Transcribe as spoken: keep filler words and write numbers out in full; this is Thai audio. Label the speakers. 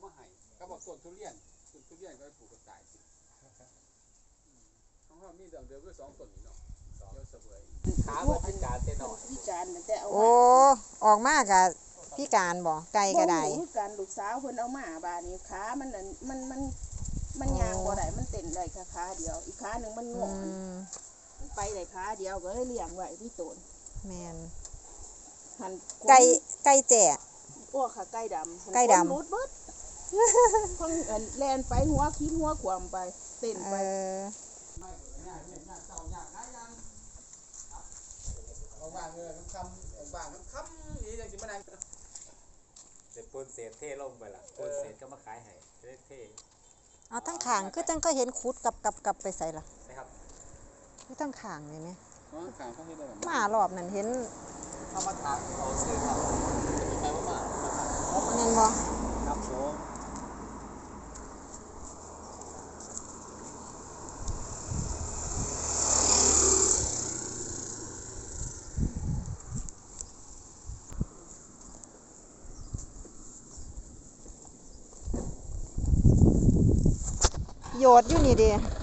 Speaker 1: มาให้ก็บอกต้นทุเรียนต้นทุเรียนก็ปลูกกระต่ายของเขามีเดิมเดิมก็สองต้นนี่เนาะเยอะเสวยขาเพื่อพิการเต้นหน่อยพิการแต่เอาโอ้
Speaker 2: ออกมากะพิการบ่ไก่ก็ได้
Speaker 3: พิการลูกสาวเพิ่นเอามาบาดนี้ขามันมันมันมันยางบ่ได้มันเต้นได้แค่ขาเดียวอีกขาหนึ่งมันงอนไปได้ขาเดียวก็เลยเลี้ยงไว้ที่ต้น
Speaker 2: แม่น
Speaker 3: หัน
Speaker 2: ไก่ไก่แจ่
Speaker 3: โอ้ค่ะไก่ดำ
Speaker 2: ไก่ดำ
Speaker 3: รูดเบิดเพิ่งแล่นไปหัวคิดหัวขวามไปเต้นไป
Speaker 1: ว่างเงินคำว่างคำนี่จังสิมานั่ง
Speaker 4: เสร็จปูนเศษเท่ลงไปละปูนเศษก็มาขายให้เท่
Speaker 2: เอาทั้งขางคือจังก็เห็นคุดกับกับกับไปใส่ละ
Speaker 4: นะครับ
Speaker 2: คือทั้งขางเลยไหม
Speaker 1: ขางเขาเห็นได้
Speaker 2: มารอบนั้นเห็น
Speaker 4: เขามาถามเขาซื้อครับไปว่ามา
Speaker 2: เงินบ่
Speaker 4: ครับผม
Speaker 2: โยดอยู่นี่ดิ